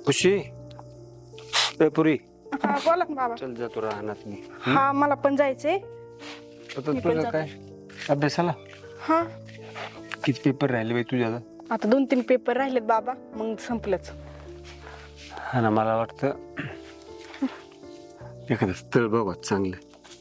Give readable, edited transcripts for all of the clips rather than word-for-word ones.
खुशी ए पुरी हा बोला ना बाबा. चल जातो राहणार मी. हा मला पण जायचंय. आता मी पण तुझं जाते. काय अभ्यासाला हा किती पेपर राहिले बाई तुझ्या आता? आता 2-3 पेपर राहिलेत बाबा, मग संपलंच. हा ना, मला वाटतं एखादं स्थळ बघा चांगलं.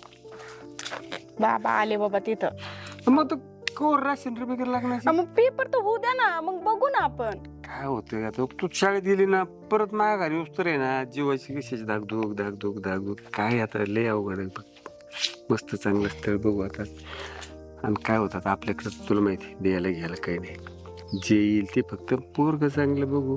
बाबा आले बाबा तिथं. मग तू कोर राशन वगैरे लागणार. मग पेपर तर होऊ द्या ना, मग बघू ना आपण. काय होतं आता तू शाळेत गेली ना परत माझ्या घरी उस्तर आहे ना, जीवाची कशाची धाकधूक धाकधूक धाकधूक. काय आता लय अवघड आहे बघ. मस्त चांगलं स्थळ बघू आता. आणि काय होतं आता आपल्याकडं तुला माहिती द्यायला घ्यायला काही नाही. जे येईल ते फक्त पोरग चांगलं बघू.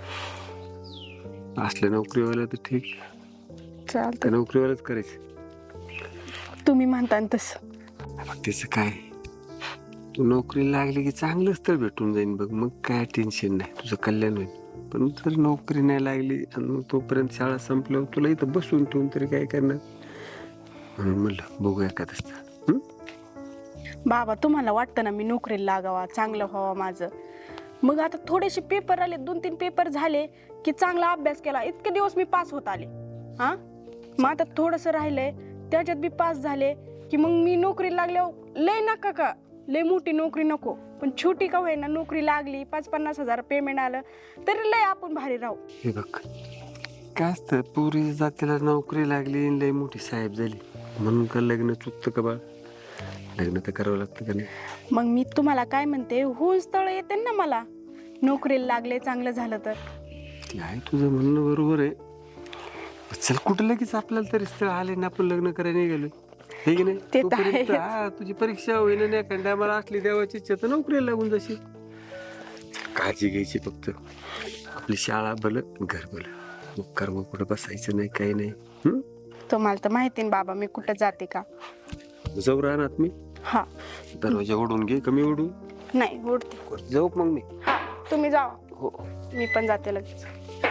असल्या नोकरीवाला तर ठीक, चालतं, त्या नोकरीवालाच करायचं. तुम्ही म्हणता ना तसं. मग त्याचं काय, तू नोकरी लागली की चांगलं स्थळ भेटून जाईन बघ, मग काय टेन्शन नाही, तुझं कल्याण होईल. पण जर नोकरी नाही लागली आणि मग तोपर्यंत शाळा संपल्यावर तुला इथं बसून ठेवून तरी काय करणार. म्हणून म्हणलं बघू एखादं स्थळ. बाबा तुम्हाला वाटतं ना मी नोकरीला लागावा, चांगलं व्हावं माझं. मग आता थोडेसे पेपर आले, 2-3 पेपर झाले की चांगला अभ्यास केला, इतके दिवस मी पास होत आले. हा मग आता थोडंसं राहिलंय, त्याच्यात बी पास झाले की मग मी नोकरी लागल्यावर लय नका का, लय मोठी नोकरी नको, पण छोटी का होईना नोकरी लागली, 5-50 हजार पेमेंट आलं तरी लय आपण भारी राहू. हे बघ काय असतं, पुरी जातीला नोकरी लागली लय मोठी साहेब झाली म्हणून का लग्न चुकतं का बा? लग्न तर करावं लागतं का नाही? मग मी तुम्हाला काय म्हणते, होऊन स्थळ येते ना मला, नोकरीला लागले चांगलं झालं तर. ते आहे तुझं म्हणणं बरोबर आहे. चल कुठं लगेच आपल्याला तरी स्थळ आले ना, आपण लग्न करायला निघालो हे की नाही. ते तर तोपर्यंत आहेच. हा तुझी परीक्षा होईन नाही एखाद्या मला असली देवाची इच्छा तर नोकरीला लागून जाशील. काळजी घ्यायची फक्त, आपली शाळा भलं घर भलं, मग कर्म कुठं बसायचं नाही काही नाही. तुम्हाला तर माहिती ना बाबा मी कुठं जाते का. जाऊ राहणार मी. हा दरवाजा ओढून घे, कमी ओढू नाही उडते. जाऊ मग मी. हा तुम्ही जा, हो मी पण जाते लगेच.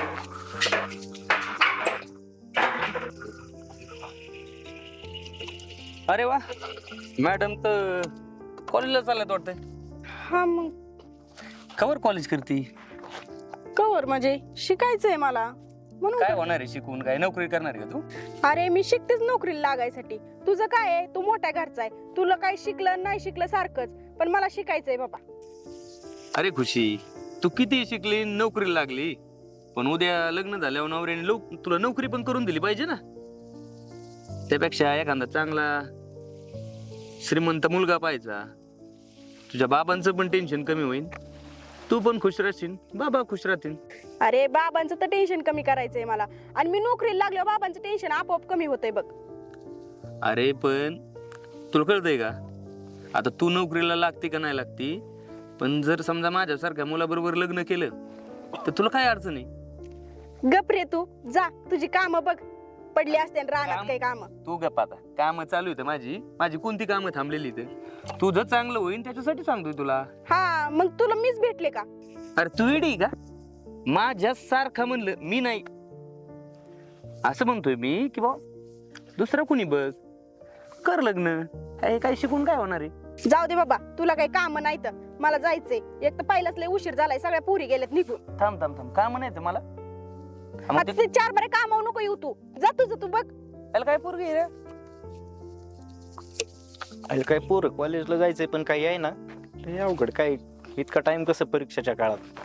अरे वा, मॅडम तर कॉलेजला चालत वाटतंय. हा मग कवर कॉलेज करती? कवर म्हणजे शिकायचंय मला म्हणून. काय होणार आहे शिकून, काय नोकरी करणार आहे का तू? अरे मी शिकतेच नोकरीला लागायसाठी. तुझं काय आहे, तू मोठ्या घरचा आहे, तुला काय शिकलं नाही शिकलं सारखंच, पण मला शिकायचंय बाबा. अरे खुशी, तू किती शिकली नोकरीला लागली, पण उद्या लग्न झाल्यावर नवऱ्याने तुला नोकरी पण करून दिली पाहिजे ना. त्यापेक्षा एखादा चांगला श्रीमंत मुलगा पाहिजा, तुझ्या बाबांचं पण टेन्शन कमी होईल, तू पण खुश राहशील, बाबा खुश राहतील. अरे बाबांचं तर टेन्शन कमी करायचंय मला, आणि मी नोकरीला लागल्यावर बाबांचं टेन्शन आपोआप कमी होतंय बघ. अरे पण तुला कळतंय का, आता तू नोकरीला लागते का नाही लागती, पण जर समजा माझ्यासारख्या मुलाबरोबर लग्न केलं तर तुला काय अडचण आहे? गप रे तू, जा तुझी कामं बघ, पडली असते रानात काही काम. तू गप्प, आता काम चालू होतं माझी कोणती कामं थांबलेली इथं? तुझं चांगलं होईल त्याच्यासाठी सांगतोय तुला. हा मग तुला मीच भेटले का? अरे तू इडी का, माझ्या सारखं म्हणलं मी नाही, असं म्हणतोय मी की बा दुसरं कुणी बघ, कर लग्न. हे काय शिकून काय होणार आहे? जाऊ दे बाबा, तुला काही काम नाही तर मला जायचंय. एक तर पहिलाच लय उशीर झालाय, सगळ्या पुरी गेल्यात निघून. थांब थांब थांब, काय म्हणायचं मला? मग आता ते 4 बरे काम नको येऊ, तू जा तुझं तू बघ. त्याला काय पोरगी आहे रे? अरे काय पोरं कॉलेजला जायचंय पण काही आहे ना, ते अवघड. काय इतका टाइम कसं परीक्षेच्या काळात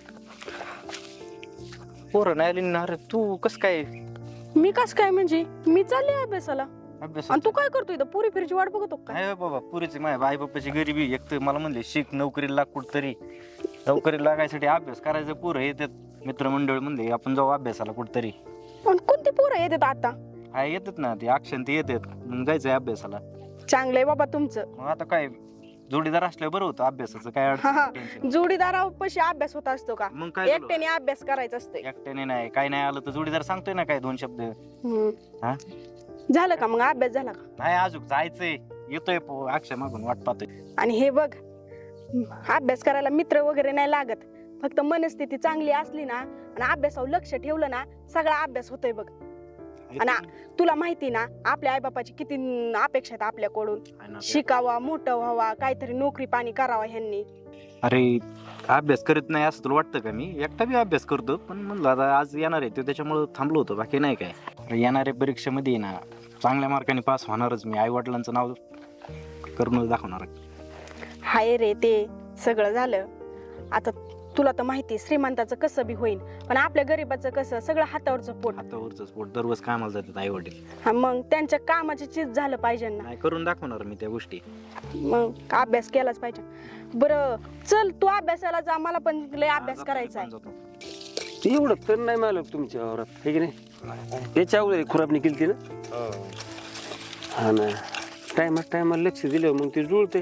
पोरं नाही आली ना. अरे तू कस काय मी कस काय म्हणजे, मी चालले अभ्यासाला, अभ्यास? आणि तू काय करतोय इथं? पुरी फिरची वाट बघतो काय? नाही बाबा, पुरीची माझ्या आई बाप्पाची गरिबी. एक तर मला म्हणले शिक, नोकरीला लाग कुठतरी. नोकरीला लागायसाठी अभ्यास करायचं. पोरं येतात मित्रमंडळ म्हणले आपण जाऊ अभ्यासाला कुठतरी. पण कोणती पोरं येतात आता? हा येतात ना, ते अक्षण ते येतात, मग जायचंय अभ्यासाला. चांगलंय बाबा तुमचं. मग आता काय जोडीदार असल्यावर बरं होतं, अभ्यासाचं काय हा, हा. अडचण टेन्शन. जोडीदारापाशी अभ्यास होत असतो का? मग काय झालं? एकट्याने अभ्यास करायचा असतोय. एकट्याने नाही, काय नाही आलं तर जोडीदार सांगतोय ना काय 2 शब्द. हा? झालं का मग अभ्यास झाला का? नाही अजून जायचंय, येतोय अक्षय मागून वाट पाहतोय. आणि हे बघ, अभ्यास करायला मित्र वगैरे नाही लागत, फक्त मनस्थिती चांगली असली ना आणि अभ्यासावर लक्ष ठेवलं ना, सगळा अभ्यास होतोय बघ. आणि तुला माहिती ना आपल्या आईबापाची किती अपेक्षा आहेत आपल्याकडून. शिकावा, मोठं व्हावा, काहीतरी नोकरी पाणी करावा ह्यांनी. अरे अभ्यास करत नाही असं तुला वाटतं का? मी एकटा बी अभ्यास करतो, पण म्हणलं आता आज येणार आहे तो त्याच्यामुळं थांबलो होतो, बाकी नाही काय. अरे येणाऱ्या परीक्षेमध्ये ना चांगल्या मार्काने पास होणारच मी. आई वडिलांचं नाव करूनच दाखवणार. हाय रे, ते सगळं झालं. आता तुला तर माहिती आहे, श्रीमंताचं कसं बी होईल, पण आपल्या गरीबाचं कसं, सगळं हातावरचं पोट. हातावरच पोट. दररोज कामाला जातात आई वडील. हा, मग त्यांच्या कामाची चीज झालं पाहिजे ना. नाही करून दाखवणार मी त्या गोष्टी. मग अभ्यास केलाच पाहिजे. बरं चल, तू अभ्यासाला जा, मला पण लय अभ्यास करायचा आहे. एवढं तर नाही मालक तुमच्या वावरात, हे की नाही? त्याच्या अगोदर खुरापणी केली ना. हा ना, टायमाला लक्ष दिलं मग ते जुळते.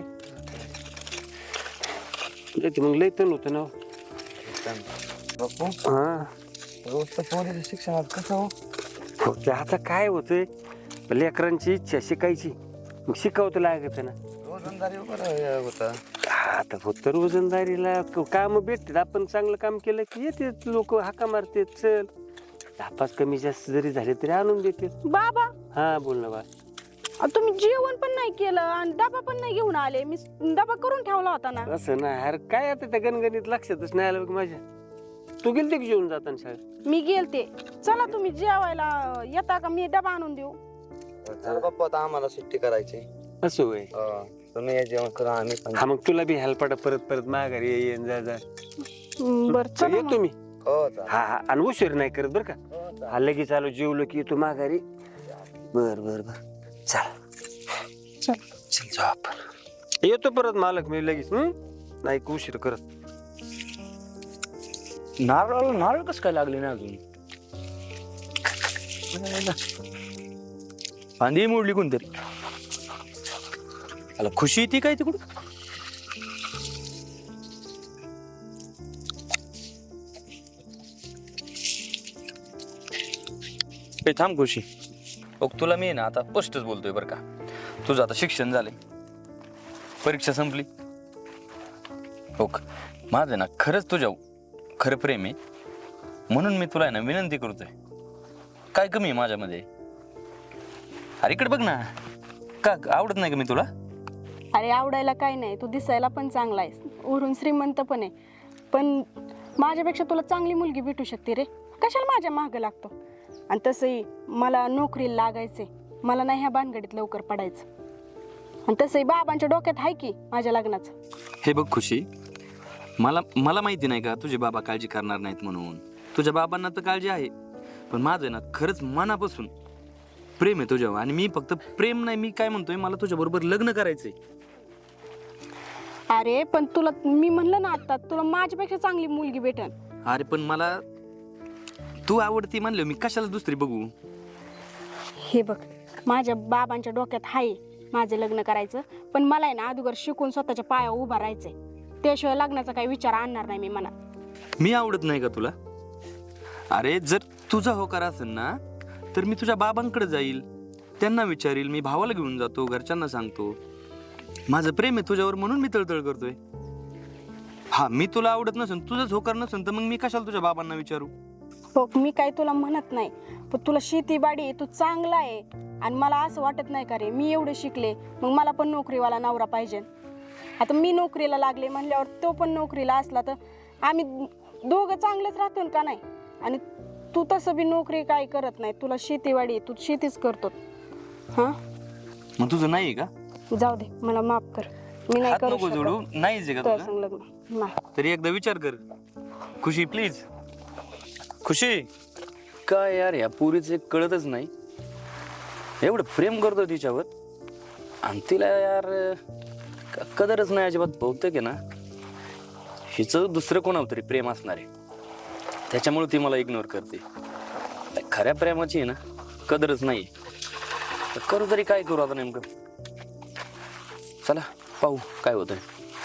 मग लय तण होतं ना. हा, शिक्षणात कसं हो? हो, ते आता काय होतंय, लेकरांची इच्छा शिकायची, मग शिकवतं लागत ना. रोजंदारी वगैरे होता. आता फक्त रोजंदारीला काम भेटतात. आपण चांगलं काम केलं की येते लोक, हाका मारते, चल 10-5 कमी जास्त जरी झाले तरी आणून देते. बाबा, हा बोल ना बा. तुम्ही जेवण पण नाही केलं आणि डबा पण नाही घेऊन आले. मी डबा करून ठेवला होता ना. असं ना, अरे काय आता त्या गणगणित लक्षातच नाही आलं बघ माझ्या. तू गेलते की जेवून जाताना शाळेत? मी गेलते. चला तुम्ही जेवायला येता का? मी डबा आणून देऊ? चल बाप्पा, आता आम्हाला सुट्टी करायची. असं होय. तुम्ही हे जेवण करा, आम्ही पण. हा, मग तुला बी हेल्पाटा परत माघारी येईन जा. बर, चला येतो मी. हो चालेल. हा हा, आणि उशीर नाही करत बरं का. हो, चालेल. हा, लगेच आलो, जेवलो की येतो माघारी. बर चल जाऊ आपण. येतो परत मालक मी लगेच. नाही का उशीर करत. नारळ कसं काय लागले ना अजून? फांदी मोडली कोणतरी. आला खुशी येते काय तिकडून? थांब खुशी. तुला मी ना आता स्पष्टच बोलतोय बरं का. तुझं आता शिक्षण झालंय, परीक्षा संपली. माझं ना खरंच तुझ्या खरं प्रेम आहे, म्हणून मी तुला ना विनंती करतोय. काय कमी आहे माझ्यामध्ये? अरे इकडे बघ ना. का आवडत नाही का मी तुला? अरे आवडायला काय नाही, तू दिसायला पण चांगला आहेस, वरून श्रीमंत पण आहे. पण माझ्यापेक्षा तुला चांगली मुलगी भेटू शकते रे. कशाला माझ्या मागं लागतो? आणि तसंही मला नोकरीला लागायचंय, मला नाही ह्या भानगडीत लवकर पडायचं. आणि तसंही बाबांच्या डोक्यात आहे की माझ्या लग्नाचं. हे बघ खुशी, मला माहिती नाही का तुझे बाबा काळजी करणार नाहीत म्हणून. तुझ्या बाबांना तर काळजी आहे, पण माझं ना खरंच मनापासून प्रेम आहे तुझ्यावर. आणि मी फक्त प्रेम नाही, मी काय म्हणतोय, मला तुझ्या बरोबर लग्न करायचंय. अरे पण तुला मी म्हणलं ना आता, तुला माझ्यापेक्षा चांगली मुलगी भेटन. अरे पण मला तू आवडती म्हणलं, मी कशाला दुसरी बघू? हे बघ, माझ्या बाबांच्या डोक्यात आहे माझं लग्न करायचं, पण मला आहे ना अगोदर शिकून स्वतःच्या पायावर उभा राहायचंय. त्याशिवाय लग्नाचा काही विचार आणणार नाही मी मनात. मी आवडत नाही का तुला? अरे जर तुझा होकार असेल ना, तर मी तुझ्या बाबांकडे जाईल, त्यांना विचारील, मी भावाला घेऊन जातो, घरच्यांना सांगतो माझं प्रेम आहे तुझ्यावर, म्हणून मी तळतळ करतोय. हा, मी तुला आवडत नसेल, तुझंच होकार नसेल, तर मग मी कशाला तुझ्या बाबांना विचारू? बघ, मी काही तुला म्हणत नाही, पण तुला शेतीबाडी तू चांगला आहे. आणि मला असं वाटत नाही का रे, मी एवढे शिकले, मग मला पण नोकरीवाला नवरा पाहिजे. आता मी नोकरीला लागले म्हणल्यावर तो पण नोकरीला असला तर आम्ही दोघं चांगलेच राहतो का नाही? आणि तू तसं बी नोकरी काय करत नाही, तुला शेतीवाडी, तू शेतीच करतो. हा, मग तुझं नाही का? जाऊ दे, मला माफ कर, मी नाही हात करू नको जोडू. शकत नाहीच आहे का तुझ्या तुझं? संग लग्न. नाही. तरी एकदा विचार कर खुशी, प्लीज. खुशी, काय यार, या पुरीचं कळतच नाही. एवढं प्रेम करतो तिच्यावर, आणि तिला यार कदरच नाही अजिबात. बहुतेक आहे ना हिचं दुसरं कोणावर तरी प्रेम असणार आहे, त्याच्यामुळे ती मला इग्नोर करते. खऱ्या प्रेमाची आहे ना कदरच नाही. करू तरी काय करू आता नेमकं? चला पाहू काय होतंय.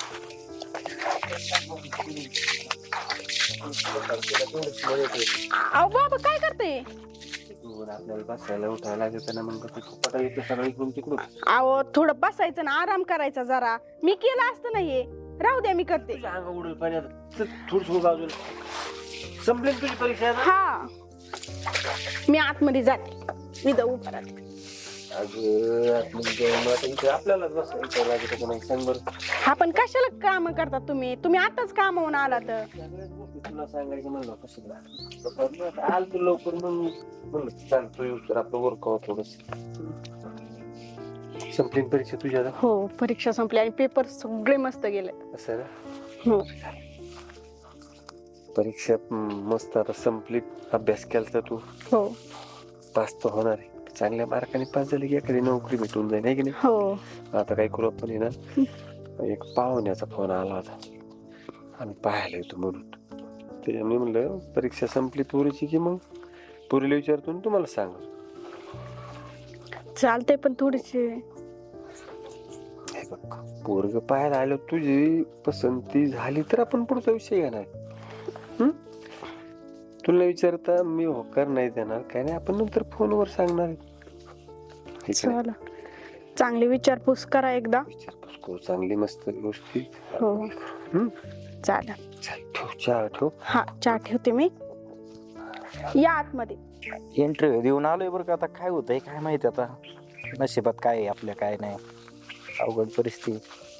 अहो बाबा, काय करते? आपल्याला बसायला उठायला लागत ना, मग येते सगळं इकडून तिकडून. अहो थोडं बसायचं ना, आराम करायचा जरा. मी केलं असतं ना हे. राहू द्या, मी करते. अंग उडून पाण्यात थोडं बाजूला. संपली तुझी परीक्षा? हा, मी आतमध्ये जाते, मी जाऊ उभा राहते. आपल्यालाच बसायचं लागत नाही सांग बरं. हा पण कशाला काम करतात तुम्ही आताच कामावून आला तर सगळ्याच गोष्टी तुला सांगायचं म्हणलं कसं आल तू लवकर म्हणलं चालतो येऊ तर आपलं वर्कआउट थोडस संपली परीक्षा तुझ्या आता? हो परीक्षा संपली आणि पेपर सगळे मस्त गेले. असं ना? हो परीक्षा मस्त आता संपली. अभ्यास केला तर तू हो पास तर होणार आहे. चांगल्या मार्काने पास झाले की एखादी नोकरी भेटून जाईल आहे की नाही. हो आता काय करू आपण आहे ना एक पाहुण्याचा फोन आला होता आम्ही पाहायला येतो म्हणून त्याच्यामुळे म्हणलं परीक्षा संपली पोरीची की मग पोरीला विचारतो आणि तुम्हाला सांग. चालते पण थोडीशी हे बघ पोरग पाहायला आलं तुझी पसंती झाली तर आपण पुढचा विषय घेणार. तुला विचारता मी होकार नाही देणार काय नाही आपण नंतर फोनवर सांगणार आहे. हे की नाही? चला चांगली विचारपूस करा एकदा. विचारपूस करू चांगली मस्त गोष्टी. हो हम्म? चालेल. चल ठेव चहा ठेव. हा चहा ठेवते मी. या आतमध्ये. इंटरव्ह्यू देऊन आलोय बरं का. आता काय होतंय काय माहिती आता नशिबात काय आहे आपल्या काय नाही. अवघड परिस्थिती.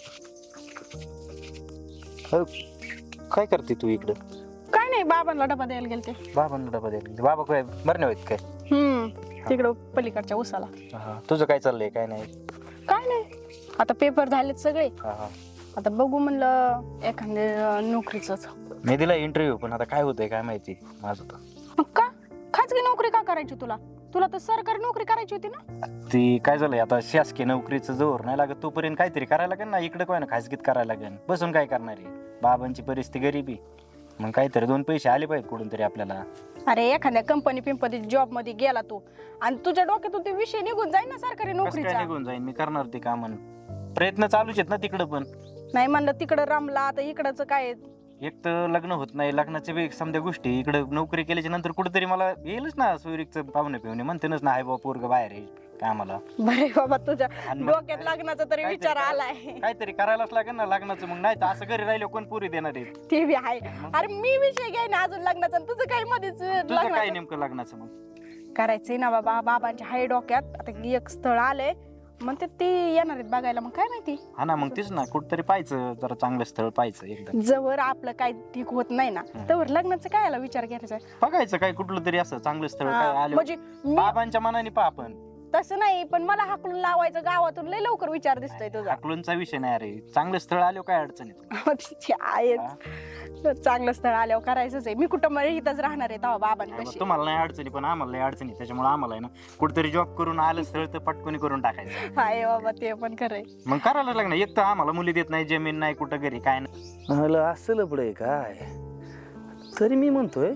काय करते तू इकडं? काय नाही बाबांना डबा द्यायला गेलते. बाबांना डबा द्यायला बाबा काय बरं नाही होत काय? तिकडं पलीकडच्या उसाला. तुझं काय चाललंय काय नाही? काय नाही आता पेपर झालेत सगळे. हा आता बघू म्हणलं एखाद्या नोकरीच. मी दिला इंटरव्ह्यू पण आता काय होतंय काय माहिती माझं तर. का खाजगी नोकरी का करायची तुला तर सरकारी नोकरी करायची होती ना. ती काय झालंय आता शासकीय नोकरीचं जोर नाही लागत तोपर्यंत काहीतरी करायला लागेल ना. इकडे काय ना खाजगीत करायला लागेल. बसून काय करणार आहे. बाबांची परिस्थिती गरिबी मग काहीतरी 2 पैसे आले पाहिजे कुठून तरी आपल्याला. अरे एखाद्या कंपनी पिंपनी जॉब मध्ये गेला तू आणि तुझ्या डोक्यातून ते विषय निघून जाईल ना सरकारी कसं काय नोकरीचा. निघून जाईन मी करणार ते काम. प्रयत्न चालूच आहेत ना तिकडं पण. नाही म्हणलं तिकडं रमला आता इकडचं काय. एक तर लग्न होत नाही लग्नाच्या वेग समजा गोष्टी इकडे नोकरी केल्याच्या नंतर कुठेतरी मला येईलच ना सोयरीकचं पाहुणे पिवणे म्हणतेनच ना हाय बाबा पोरग बाहेर आहे कामाला. बरे बाबा तुझ्या आणि मग डोक्यात लग्नाचा तरी काहीतरी विचार करायला- आलाय. काहीतरी करायलाच लागेल ना लग्नाचं. मग नाही तर असं घरी राहिलं कोण पुरी देणार आहे? ते बी आहे. अरे मी विषय घ्याय ना अजून लग्नाचा आणि तुझं काय मध्येच तुझं काय लग्नाचं नेमकं लग्नाचं मग? करायचंय ना बाबा. बाबांच्या हाय डोक्यात आता एक स्थळ आलंय म्हणते ते येणार आहेत बघायला. मग काय माहिती हा ना मग तेच ना कुठतरी पाहायचं जरा चांगलं स्थळ पाहायचं एकदा. जवळ आपलं काय ठीक होत नाही ना तवर लग्नाचं काय याला विचार करायचा. बघायचं काय कुठलं तरी असं चांगलं स्थळ काय आलं म्हणजे मी बाबांच्या मनाने पहा आपण. तसं नाही पण मला हाकलून लावायचं गावातून लय लवकर विचार दिसतोय तुझा. अकलूनचा विषय नाही अरे. चांगलं स्थळ आलं काय अडचणीत. तिची आहेच. चांगलं स्थळ आल्यावर करायचंच आहे. मी कुठं मग इथंच राहणार आहे तेव्हा बाबांपाशी. तुम्हाला नाही अडचणी पण आम्हाला नाही अडचणी. त्याच्यामुळे आम्हाला आहे ना कुठतरी जॉब करून आलं स्थळ तर पटकनी करून टाकायचं. हाय बाबा ते पण खरंय. मग करायला लागणार. एक तर आम्हाला मुली देत नाही जमीन नाही कुठं घरी काय नाही. मला असं लपडंय काय तरी मी म्हणतोय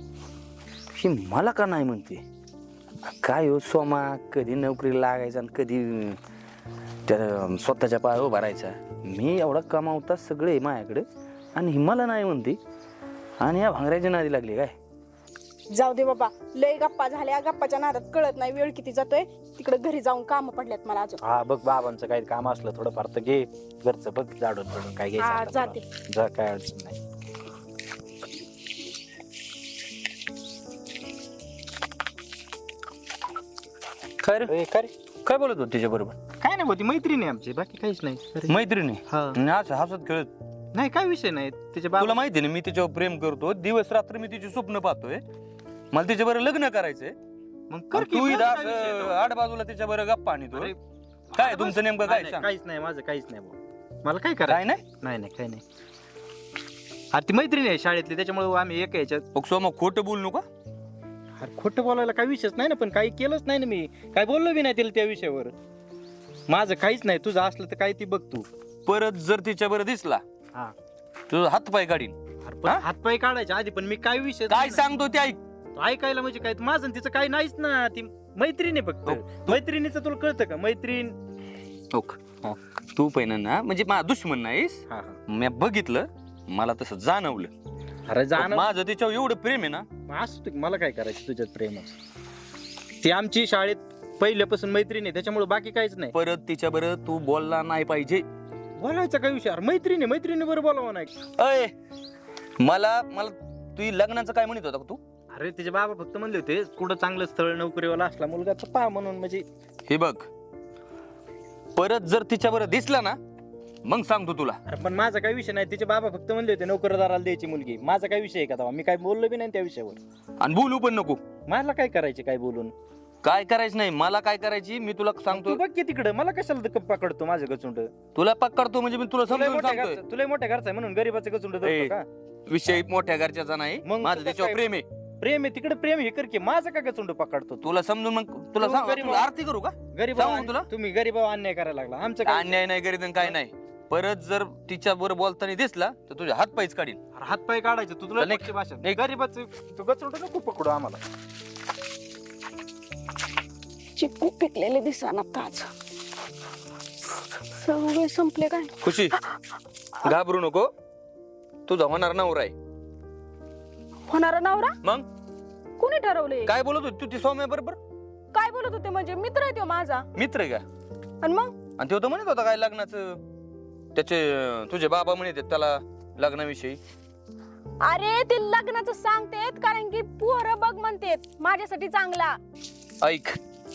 ही मला का नाही म्हणते. काय हो सोमा कधी नोकरी लागायचा आणि कधी त्या स्वतःच्या पायावर उभा राहायचा. मी एवढा कमावता सगळे माझ्याकडे आणि ही मला नाही म्हणते आणि या भांगऱ्याची नादी लागली काय. जाऊ दे बाबा लय गप्पा झाल्या. गप्पाच्या नादात कळत नाही वेळ किती जातोय. तिकडे घरी जाऊन काम पडल्यात मला अजून. हा बघ बाबांचं काही काम असलं थोडंफार तर घे घरचं बघ जाडून पडून काय हा, घ्यायचं आता जाते. तुला. जा काय अडचण नाही. काय रे ए, काय रे? काय बोलत होत तिच्या बरोबर? काय नाही होती मैत्रिणी आहे आमची बाकी काहीच नाही. अरे, मैत्रिणी हा. असं हसत खेळत. नाही काय विषय नाही त्याच्या तुला बाबा माहिती ना मी तिच्यावर प्रेम करतो. दिवस रात्र मी तिची स्वप्न पाहतोय. मला तिच्या बरोबर लग्न करायचंय. मग कर की, तू माझा इथं काय विषय आहे असं तो? आड बाजूला तिच्या बरोबर गप्पा आणतो. अरे, काय तुमचं नेमकं काय नाही, सांग? काहीच नाही माझं काहीच नाही भाऊ. मला काय काय करायचं नाही नाही नाही काही नाही. अरे ती मैत्रिणी आहे शाळेतली त्याच्यामुळे आम्ही एक याच्यात. मग सोमा खोटं बोलू नका. अरे खोटं बोलायला काही विषयच नाही ना. पण काही केलंच नाही ना मी. काय बोललो बी नाही तिला त्या विषयावर. माझं काहीच नाही. तुझं असलं तर काय ती बघ तू. परत जर तिच्या बरोबर दिसला हा. तुझं हात पाय काढीन. अरे पण हा? हातपाय काढायच्या आधी पण मी काय विषय काय सांगतो ते ऐक. ऐकायला म्हणजे काय माझं आणि तिचं काही नाहीच ना. ती मैत्रिणी फक्त. मैत्रिणीचं तुला कळतं का मैत्रीण. तू पहिलं ना म्हणजे माझा दुश्मन नाहीस. हा मी बघितलं मला तसं जाणवलं. अरे जाणं माझं तिच्यावर एवढं प्रेम आहे ना. असू दे, मला काय करायचं तुझ्यात प्रेमच. ती आमची शाळेत पहिल्यापासून मैत्रिणी आहे त्याच्यामुळे बाकी काहीच नाही. परत तिच्या बरोबर तू बोलला नाही पाहिजे. बोलायचा काय विषय. अरे मैत्रिणी बरोबर बोलावं नाही. अय मला मला तू लग्नाचं काय म्हणत होता का तू? अरे तिचे बाबा फक्त म्हणले होते कुठं चांगलं स्थळ नोकरीवाला असला मुलगा तर पहा म्हणून, म्हणजे हे बघ, परत जर तिच्यावर दिसला ना मग सांगतो तुला. अरे पण माझा काही विषय नाही, तिचे बाबा फक्त म्हणले होते नोकरदाराला द्यायची मुलगी. माझा काय विषय आहे का तेव्हा? मी काय बोललो बी नाही त्या विषयावर. आणि बोलू पण नको. मला काय करायचे काय बोलून? काय करायचं नाही, मला काय करायची मी तुला सांगतो. तू बघ की तिकडं, मला कशाला पकडतो माझं गचुंड? तुला पकडतो म्हणजे मी तुला तुला समजून मोठ्या सांगतोय. घरचा, तुला मोठ्या घरचा आहे म्हणून गरीबाचं गचुंड ए, का? विषय मोठ्या घरच्याचा नाही, मग माझं तुझं त्याच्यावर काय? प्रेम आहे. प्रेम आहे तिकडे, प्रेम हे कर की, माझं का गचुंड पकडतो? तुला समजून मग तुला तू सांग, गरीब तुला आरती करू का? गरीब सांगू तुला? तुम्ही गरीबावर अन्याय करायला लागला. आमचं काय? अन्याय नाही करीत आणि काय नाही. परत जर तिच्या बरोबर बोलताना दिसला तर तुझे हात पायच काढीन. हात पाय काढायचे तू, तुला चल, पक्षी भाषा निघ. गरीबाचं तू गचुंड नको पकडू आम्हाला. चिकू पिकलेले दिसाना ताज सगळे संपले काय. खुशी, घाबरू नको, तुझा होणार नवरा आहे. होणारा नवरा मग कोणी ठरवले? काय बोलत होती तू ती सौम्या बरोबर? काय बोलत होते? म्हणजे मित्र आहे तो माझा. मित्र आहे का? आणि मग आणि तो तर म्हणत होता काय लग्नाचं, त्याचे तुझे बाबा म्हणत आहेत त्याला लग्नाविषयी. अरे ते लग्नाचं सांगतेत कारण की पोरं बघ म्हणतेत माझ्यासाठी चांगला. ऐक,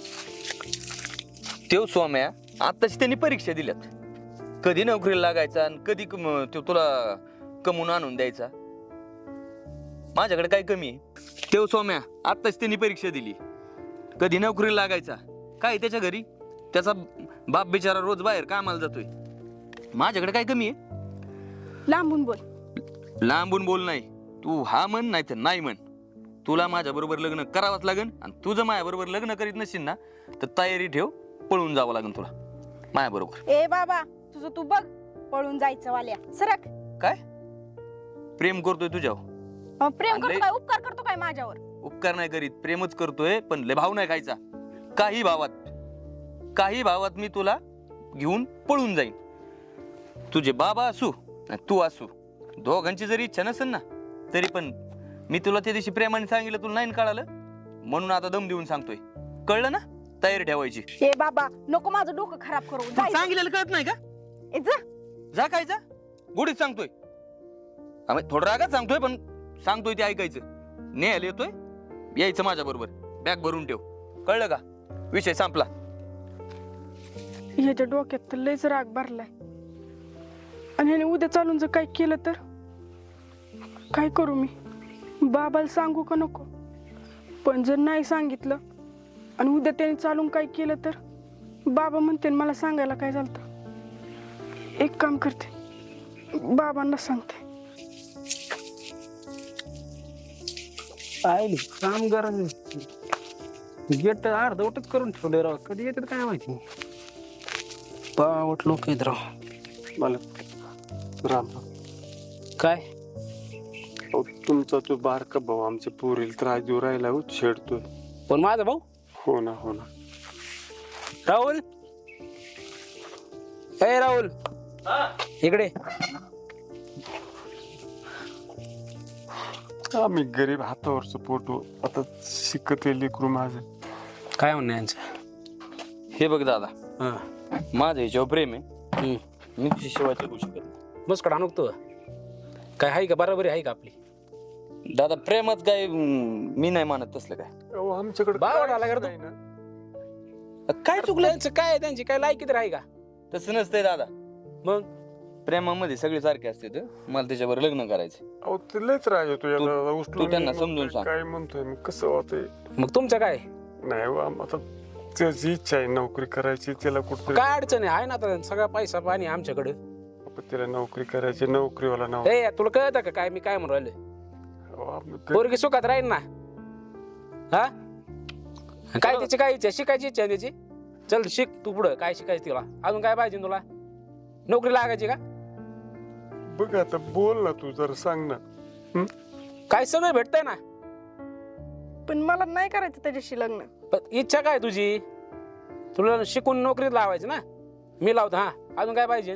तेव सौम्या आताच त्यांनी परीक्षा दिल्यात, कधी नोकरीला लागायचा आणि कधी तो तुला कमवून आणून द्यायचा. माझ्याकडे काय कमी आहे? तेव सौम्या आताच त्यांनी परीक्षा दिली, कधी नोकरीला लागायचा. काय त्याच्या घरी त्याचा बाप बिचारा रोज बाहेर कामाला जातोय. माझ्याकडे काय कमी आहे? लांबून बोल. लांबून बोल नाही, तू हा म्हण नाही तर नाही म्हण. तुला माझ्या बरोबर लग्न करावंच लागेल आणि तुझं माझ्या बरोबर लग्न करीत नसेल ना तर तयारी ठेव, पळून जावं लागेल तुला माझ्या बरोबर. ए बाबा तुझं तू बघ, पळून जायचं वाल्या. सरक. काय प्रेम करतोय तुझ्यावर? प्रेम आणलंय? करतो काय, उपकार करतो काय माझ्यावर? उपकार नाही करीत, प्रेमच करतोय, पण लय भाव नाही खायचा. काही भावात मी तुला घेऊन पळून जाईन. तुझे बाबा असू नाही तू असू, दोघांची जरी इच्छा नसेल ना तरी पण मी तुला त्या दिवशी प्रेमाने सांगितलं, तुला नाही कळालं म्हणून आता दम देऊन सांगतोय. कळलं ना? तयारी ठेवायची. ए बाबा नको माझं डोकं खराब करू. जायचं. सांगितलेलं कळत नाही का? ए, जा. जा काय जा, गोडीत सांगतोय. आम्ही थोडं रागात सांगतोय पण सांगतोय ते ऐकायचं. न्यायला येतोय, यायचं माझ्या बरोबर, बॅग भरून ठेव. कळलं का? विषय संपला. ह्याच्या डोक्यात तर लयच राग भरलाय आणि ह्याने उद्या चालून जर काय केलं तर काय करू मी? बाबाला सांगू का नको? पण जर नाही सांगितलं आणि उद्या त्याने चालून काय केलं तर बाबा म्हणते मला सांगायला काय झालं. एक काम करते, बाबांना सांगते. आयली काम करायचं, गेट अर्धवटच करून ठेवले राव. कधी येतात काय माहिती. पावट लोक आहेत राव. मला राम काय अहो, तुमचा तो बारका भाऊ आमच्या पोरीला त्रास देऊ राहिला हो, छेडतोय. पण माझा भाऊ हो ना हो ना. राहुल, ए राहुल इकडे. आम्ही गरीब हातावरचं पोटू, आता शिकते लेकरू माझं. काय म्हणणं यांचं? हे बघ दादा, हा माझं ह्याच्यावर प्रेम आहे, मी तुझी सेवा करू शकत नाही. मस्कड आणू तू काय आहे का? बरोबरी आहे का आपली? दादा प्रेमच काय, मी नाही मानत तसलं काय. अहो, आमच्याकडे बावड काय आला का रे तू? नाही ना. काय चुकलं? त्यांचं काय आहे, त्यांची काय लायकी तर आहे का? तसं नसतंय दादा. मग प्रेमामध्ये सगळे सारखे असते, मला त्याच्यावर लग्न करायचं. अहो, ते लयच राग येतो याला. तू उचलून त्यांना म्हणतोय, समजून सांग. काय म्हणतोय मी, कसं होतंय. मग तुमचं काय? नाही हो, आता त्याची इच्छा आहे नोकरी करायची, त्याला कुठतरी काय अडचण आहे ना? आता सगळा पैसा पाणी आमच्याकडे. त्याला नोकरी करायची, नोकरीवाला नाव. ए तुला कळतं का काय मी काय म्हणून राहिले? अहो, आम्ही पोरगी सुखात राहील ना? हा काय त्याची काय इच्छा? शिकायची इच्छा आहे त्याची? चल शिक तू पुढं. काय शिकायचं तिला? अजून काय पाहिजे तुला? नोकरी लागायची का? बघ आता बोल ना तू, जरा सांग ना. काय सगळं भेटतंय ना? पण मला नाही करायचं त्याच्याशी लग्न. पण इच्छा काय तुझी? तुला शिकून नोकरीत लावायचं ना? मी लावतो. हा अजून काय पाहिजे?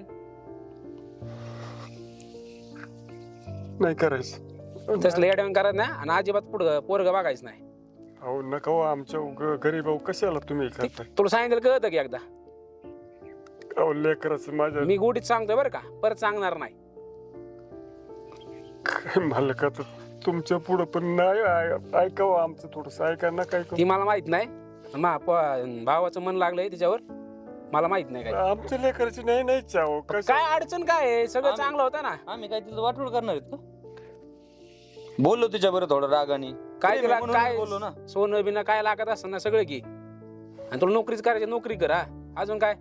नाही करायचं. तसलं येड्यावून करायचं ना, आणि अजिबात पुढं पोरग बघायचं नाही. अहो नका हो, आमच्या गरीब भाऊ कशाला तुम्ही करताय. तुला सांगितलं कळतं की एकदा? अहो लेकराचं माझ्या मी गोडीत सांगतोय बरं का, परत सांगणार नाही. काय मालका तर तुमच्या पुढं पण नाही ऐकावं आमचं थोडस ऐका ना काय ती मला माहित नाही भावाचं मन लागलंय तिच्यावर मला माहित नाही काय आमच्या लेकराची नाही नाही चाव काय अडचण काय आहे? सगळं चांगलं होतं ना. आम्ही काय तिथं वाटोळ करणार आहेत का? बोललो तिच्या बरं थोडं रागाने काय तिला म्हणून काय बोललो ना. सोनं बिनं काय लागत असतं ना सगळं की, आणि तुला नोकरीच करायची नोकरी करा. अजून काय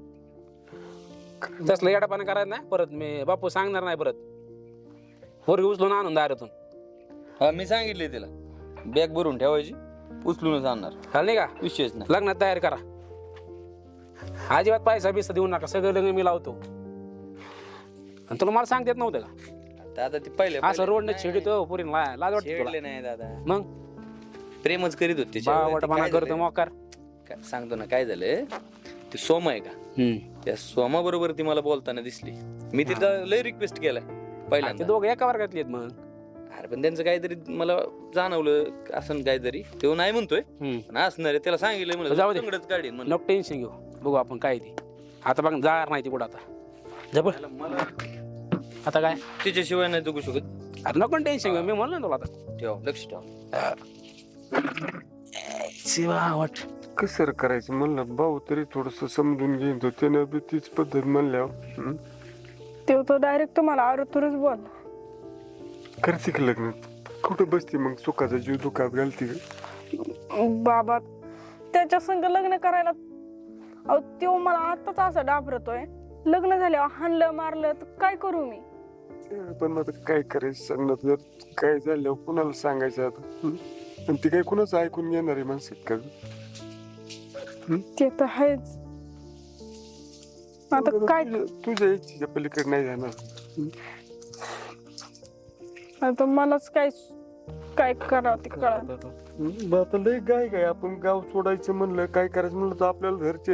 तसलं येडापानं करायचं नाही परत. मी बापू सांगणार नाही परत. पोरगी उचलून आणून दारातून. हा मी सांगितले तिला बॅग भरून ठेवायची, उचलूनच आणणार, चाल नाही का? विषयच नाही. लग्नात तयारी करा. अजिबात पैसा बिसा देऊ नका. सगळं लग्न मी लावतो. आणि तुला मला सांगता येत नव्हतं का? दादा ती पहिले असं रोडने छेडतो पुरी लाज वाटते तुला? छेडले नाही दादा, मग प्रेमच करीत होते वाटपणा करतो मोकार. सांगतो ना काय झालं. ते सोमा आहे का, त्या सोमा बरोबर ती मला बोलताना दिसली. मी तिला लय रिक्वेस्ट केलाय ते पहिल्यांदा. दोघं एका वर्गातली आहेत मग. अरे पण त्यांचं काहीतरी मला जाणवलं असं काहीतरी. तो नाही म्हणतोय पण असणार आहे. त्याला सांगितलं म्हणलं जाऊ दे. तंगडच काढीन म्हणलं. नको टेन्शन घेऊ. बघू आपण काय ती आता बघ जाणार नाही ती कुठं आता. जबर मला आता काय तिच्याशिवाय नाही जगू शकत. अरे नको टेन्शन घेऊ. मी म्हणलो ना तुला आता ठेव, लक्ष ठेव. शिवावट. कसं करायचं म्हणलं भाऊ तरी थोडस समजून घेईन तो त्यानं बी तीच पद्धत म्हणल्यावर तो डायरेक्ट तुम्हाला आरोतुरच बोल. करते का लग्न? कुठं बसते मग सुखाचा जीव दुखात घालते का? बाबा त्याच्या संग लग्न करायला अहो तो मला आताच असं डाबरतोय. लग्न झाल्यावर हाणलं मारलं तर काय करू मी? पण आता काय करायचं सांगणार जर काय झालं कुणाला सांगायचं आता आणि ती काय कुणाच ऐकून घेणारी माणसं का? ते तर आहेच. आता काय तुझ्या इच्छेच्या पलीकडे नाही जाणार. आता मलाच काय काय करावं ते कळत. आता लय गाय गाय आपण गाव सोडायचं म्हणलं काय करायचं म्हणलं तर आपल्याला घरचे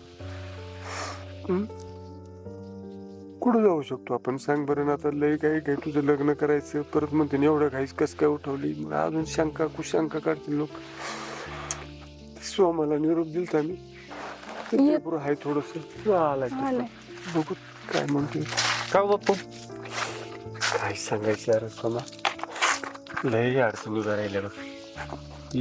कुठं जाऊ शकतो आपण सांग बरं ना? आता लय गाय गाय तुझं लग्न करायचं परत म्हणते एवढं घाईच कस काय उठवली? मग अजून शंका कुशंका काढतील लोक. सोमाला निरोप दिलता मी आहे थोडस आलाय बघू काय म्हणतोय. का बाप्पू काय सांगायचं यार सोमा लय अडचण उभ्या राहिल्या बघ.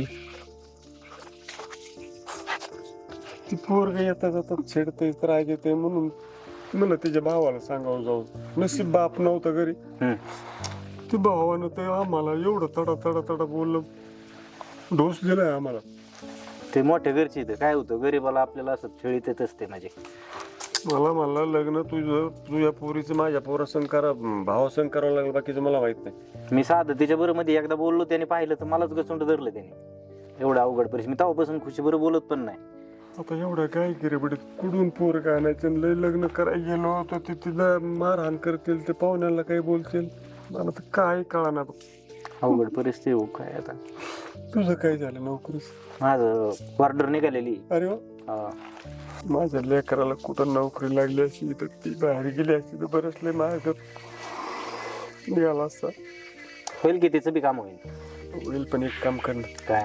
ती पोरग येता जातात छेडतय त्रास येतोय म्हणून मला त्याच्या भावाला सांगावं जाऊ. नशीब बाप नव्हता घरी. ते भावानं ते आम्हाला एवढं तडा तडा तडा बोललं डोस दिलाय आम्हाला. ते मोठ्या घरची इथं काय होतं गरीबाला आपल्याला असं छळीत येत असते माझे. मला लग्न तुझ्या पोरीचं माझ्या पोरासंग करा भावासंग करावं लागलं बाकीचं मला माहित नाही. मी साधं तिच्या बरोबर मध्ये एकदा बोललो त्याने पाहिलं तर मलाच गचुंड धरलं त्याने. एवढं अवघड परिस्थिती. मी तेव्हापासून खुशी बरोबर बोलत पण नाही. आता एवढं काय गिरेबडीत कुठून पोर काय आणायचं लय लग्न करायला गेलो होतो ते तिला मारहाण करतील ते पाहुण्याला काही बोलतील मला तर काय कळना बघ. अवघड परिस्थिती हो काय आता. तुझं काय झालं नोकरीस? माझं ऑर्डर निघालेली. अरे वा. माझ्या लेकराला कुठं नोकरी लागली अशी तर ती बाहेर गेली असती तर बरंच लय माझ्या निघाला असता. होईल की तिचं बी काम होईल. होईल पण एक काम करणं. काय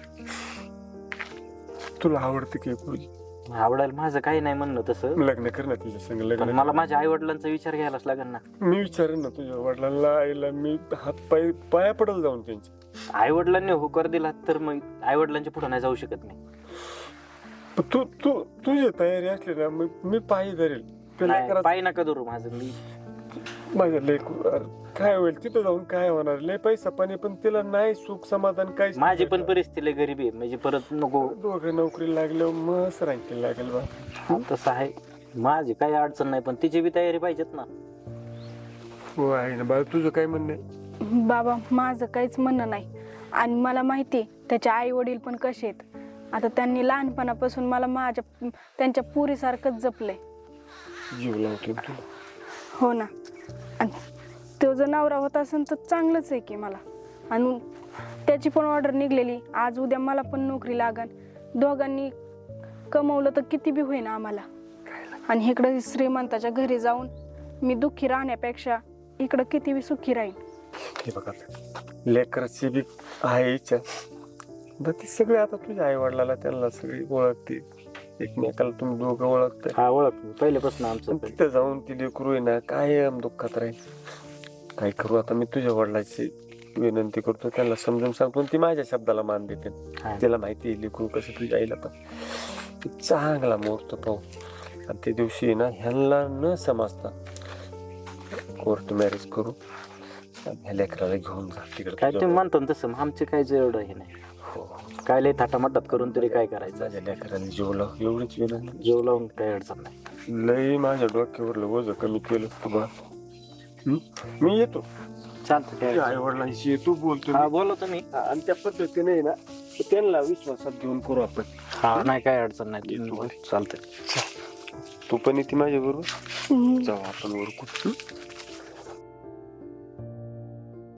तुला आवडते की पोरगी? आवडायला माझं काही नाही म्हणणं तसं. लग्न कर ना तिच्या संग पण लग्न. मला माझ्या आई वडिलांचा विचार घ्यायलाच लागेल ना. मी विचारेन ना तुझ्या वडिलांना आईला मी हात पाया पडल जाऊन त्यांची. आई वडिलांनी होकार दिला तर मग आई वडिलांच्या पुढे नाही जाऊ शकत मी. तू तू तुझी तयारी असली ना मी पायी धरेल. पायी नका धरू माझं. मी माझ्या लेकरू काय होईल तिथं जाऊन काय होणार? लय पैसा पाणी पण तिला नाही सुख समाधान काय. माझी पण परिस्थिती लय गरीबी आहे म्हणजे परत नको. दोघं नोकरी लागल्यावर मस्त रांकी लागेल बा. तसं आहे. माझी काही अडचण नाही पण तिची बी तयारी पाहिजेत ना. हो आहे ना बाळा. तुझं काय म्हणणं आहे? बाबा माझं काहीच म्हणणं नाही. आणि मला माहिती त्याचे आई वडील पण कसे आहेत. आता त्यांनी लहानपणापासून मला त्यांच्या पुरीसारखंच जपलंय. जीव लावतो तुला. हो ना. आणि तो जर नवरा होता असेल तर चांगलंच आहे की मला. आणि त्याची पण ऑर्डर निघलेली. आज उद्या मला पण नोकरी लागन. दोघांनी कमवलं तर किती बी होईना आम्हाला. आणि इकडं श्रीमंताच्या घरी जाऊन मी दुःखी राहण्यापेक्षा इकडं किती बी सुखी राहीन. हे बघा लेकराची बी आहे इच्छा. ती सगळे आता तुझ्या आई वडिलाला त्यांना सगळी ओळखते. एकमेकाला तुम्ही दोघं ओळखताय. हा ओळख पहिल्यापासून आमचं. तिथं जाऊन ती लेकरू आहे ना काय दुःखात राहील. काय करू आता मी तुझ्या वडिलाची विनंती करतो त्यांना समजून सांगतो ती माझ्या शब्दाला मान देते हा. तिला माहिती आहे लेकरू कसं तुझ्या आईला पण चांगला मुहूर्त पाहू आणि त्या दिवशी ना ह्यांना न समजता कोर्ट मॅरेज करू आणि ह्या लेकराला घेऊन जा तिकडे काय तुम्ही म्हणतो ना तसं मग आमचे काय एवढं हे नाही हो काय लय थाटामाटात करून तरी काय करायचं माझ्या लेकराला जीव लाव एवढीच विनंती जीव लावून काही अडचण नाही लई माझ्या डोक्यावरलं वजन कमी केलं तुला मी येतो चालतं काय आई वडिलांशी येतो बोलतो हा मी. बोलव तुम्ही आणि त्या पद्धतीने आहे ना त्यांना विश्वासात घेऊन करू आपण हा नाही काय अडचण नाही येतो. चालतंय तू पण येते माझ्या बरोबर जाऊ आपण वर